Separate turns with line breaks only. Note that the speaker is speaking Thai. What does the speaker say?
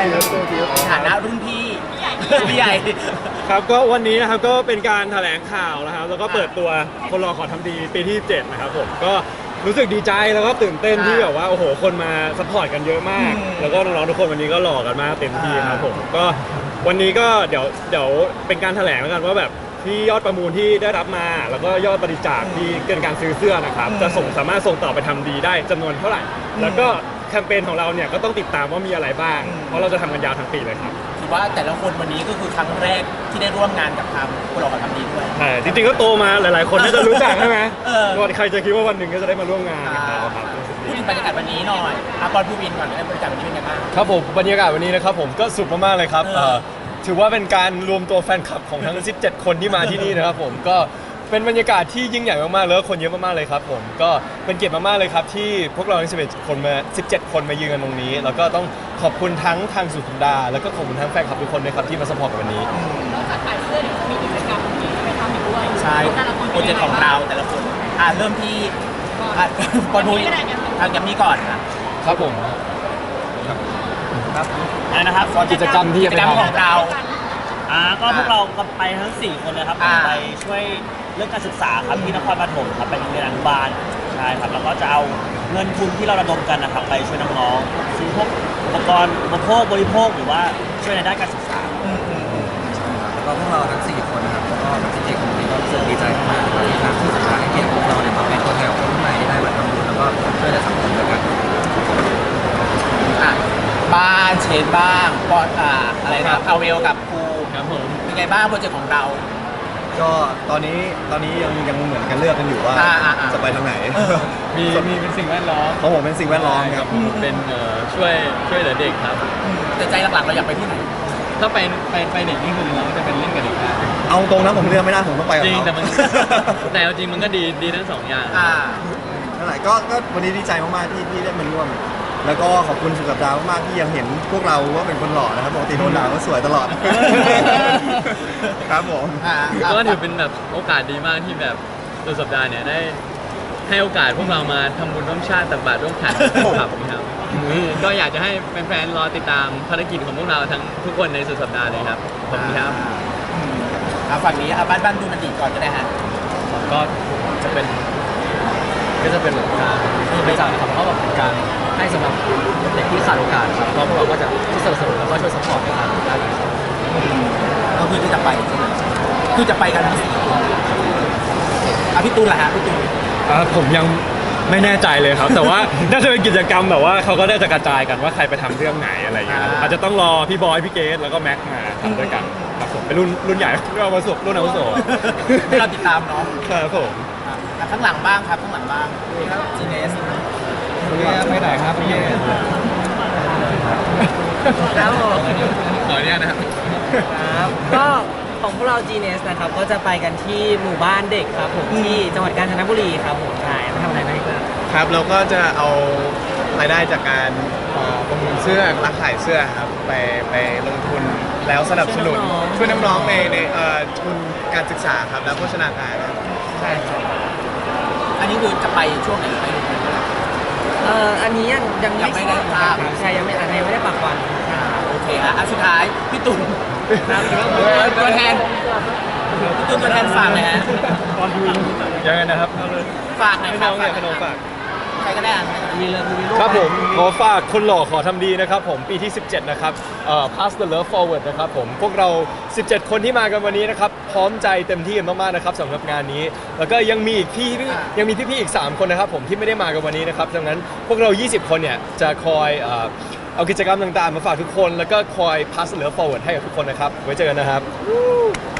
ฐานะรุ่นพี่พี่ใหญ่
ครับก็วันนี้นะครับก็เป็นการแถลงข่าวนะครับแล้วก็เปิดตัวคนรอขอทำดีปีที่7นะครับผมก็รู้สึกดีใจแล้วก็ตื่นเต้นที่แบบว่าโอ้โหคนมาซัพพอร์ตกันเยอะมากแล้วก็น้องๆทุกคนวันนี้ก็หล่อกันมากเต็มที่ครับผมก็วันนี้ก็เดี๋ยวเป็นการแถลงแล้วกันว่าแบบที่ยอดประมูลที่ได้รับมาแล้วก็ยอดบริจาคที่เกินการซื้อเสื้อนะครับจะสามารถส่งต่อไปทำดีได้จำนวนเท่าไหร่แล้วก็แคมเปญของเราเนี่ยก็ต้องติดตามว่ามีอะไรบ้างเพราะเราจะทำกันยาวทั้งปีเลยครับ
ถือว่าแต่ละคนวันนี้ก็คือครั้งแรกที่ได้ร่วมงานกับทางคนเราทำดีด้วย
ใช่จริงๆก็โตมาหลายๆคนน่าจะรู้จักใช่ไหมว่าใครจะคิดว่าวันหนึ่งก็จะได้มาร่วมงานกับเราครับ
พูดถึงบรรยากาศวันนี้หน่อยปอนผู้วินก่อนได้บรรยากาศวันนี้เป็นไงบ้าง
ครับผมบรรยากาศวันนี้นะครับผมก็สุดมากๆเลยครับถือว่าเป็นการรวมตัวแฟนคลับของทั้ง17คนที่มาที่นี่นะครับผมก็เป็นบรรยากาศที่ยิ่งใหญ่มากๆแล้วคนเยอะมากๆเลยครับผมก็เป็นเกียรติมากๆเลยครับที่พวกเราทั้ง17คนมายืนกันตรงนี้แล้วก็ต้องขอบคุณทั้งทางสุดสัปดาห์แล้วก็ขอบคุณทั้งแฟนคลับทุกคนนะครับที่มาสปอร์ตกันวันนี้
นอกจากขายเสื้อเดี๋ยวจะมีกิจกรรมที่ไปทำอีกด้วย
ใช่โปรเจกต์ของเราแต่ละคนเริ่มที่ปอนผู้วินทางแกมมี่ก่อน
ครับผม
ครับอะไรนะครับ
กิจกรรมที่จะ
เป็นของเรา
ก็พวกเราก็ไปทั้ง4คนเลยครับไปช่วยเรื่องการศึกษาครับที่นครปฐมครับไปโรงเรียนอนุบาลใช่ครับแล้วก็จะเอาเงินทุนที่เราระดมกันนะครับไปช่วยน้องๆซื้อพวกอุปกรณ์บริโภคหรือว่าช่วยในด้านการศึกษา
แล้วก็พวกเราทั้ง4คนนะครับแล้วก็จริงๆผมก็รู้สึกดีใจมากที่ทางสื่อสารให้เกียรติพวกเราเนี่ยมาเป็นตัวแทนของคนรุ่นใหม่ที่ได้มาทำบุญแล้วก็ช่วยเหลือสังคมด้วยกัน
บ้านเชนบ้างปอนอะไรนะเอาเวลกับครู
ครับผม
เป็นไงบ้างโปรเจกต์ของเรา
ก็ตอนนี้ยังเหมือนกันเลือกกันอยู่ว่าจะไปทางไหน
มีเป็นสิ่งแวดล้อม
ของผมเป็นสิ่งแวดล้อมครับ
เป็นช่วยเหลือเด็กครับ
แต่ใจหลักๆเราอยากไปที่ไหน
ถ้าไปเด็กนี่คือเราจะเป็นเล่นกับเด็ก
เอาตรงนะผมเลือกไม่ได้ผมต้องไปกับเขา
จริงแต่มันแต่จริงมันก็ดีทั้ง2อย่าง
นั่นแหละก็วันนี้ดีใจมากๆที่ได้มาร่วมแล้วก็ขอบคุณสุดสัปดาห์มากๆที่ยังเห็นพวกเราว่าเป็นคนหล่อนะครับปกติโดนด่าก็สวยตลอดครับผม
ก็ถือเป็นแบบโอกาสดีมากที่แบบสุดสัปดาห์เนี่ยได้ให้โอกาสพวกเรามาทำบุญร่วมชาติตักบาตรร่วมขันครับก็อยากจะให้แฟนๆรอติดตามภารกิจของพวกเราทั้งทุกคนในสุดสัปดาห์เลยครับขอบคุณครับ
ฝั่งนี้บ้านดูมันดีก่อนก็ได้ฮะ
ก็จะเป็นแบบการบริจาคนะครับเพราะแบบเป็นการให้สำหรับเด็กที่ขาดโอกาสครับเพราะพวกเราก็จะช่วยสนับสนุนแล้วก็ช่วยซัพพอร์ตในทางด้านนี้
ก็คือที่จะไปใช่ไหมคือจะไปกันทั้ง4คนพี่ตูนล่ะฮะพี่ตูน
ผมยังไม่แน่ใจเลยครับแต่ว่าน่าจะเป็นกิจกรรมแบบว่าเขาก็ได้จะกระจายกันว่าใครไปทำเรื่องไหนอะไรอย่างเงี้ยอาจจะต้องรอพี่บอยพี่เกสแล้วก็แม็กมาทำด้วยกันครับผมเป็นรุ่นใหญ่เรามาสุกรุ่นอาวุโส
เราติดตามเนาะ
ครับผม
ข้างหลังบ้างครับข้างหลังบ้างจีเนส
ไปไหนครับพี่
แล้ว
ขอเนี่ยนะครับ
ก็ของพวกเรา GNS นะครับก็จะไปกันที่หมู่บ้านเด็กครับผมที่จังหวัดกาญจนบุรีครับผมใช่มาทำอะไรบ้าง
ครับเราก็จะเอารายได้จากการประมูลเสื้อรักขายเสื้อครับไปลงทุนแล้วสนับสนุนช่วยน้องๆในทุนการศึกษาครับและโภชนาการครับ
ใช่ครับ
อันนี้คือจะไปช่วงไหนไป
อันนี้ยัง
ไม่ได้ภาพ
ใช่ยังไม่ได้ปักวัน
โอเคสุดท้ายพี่ตุ่นตัวแทนพี่ตุ่นตัวแทนฝากเลยฮะ
ยังไงนะครับ
ฝากหน่อยครับ
ฝาก
ใครก็ได้
ครับผมขอฝากคนหล่อขอทำดีนะครับผมปีที่17นะครับPass the Love Forward นะครับผมพวกเรา17คนที่มากันวันนี้นะครับพร้อมใจเต็มที่กันมากๆนะครับสำหรับงานนี้แล้วก็ยังมีพี่อีก3คนนะครับผมที่ไม่ได้มากันวันนี้นะครับดังนั้นพวกเรา20คนเนี่ยจะคอยเอากิจกรรมต่างๆมาฝากทุกคนแล้วก็คอย Pass the Love Forward ให้กับทุกคนนะครับไว้เจอกันนะครับ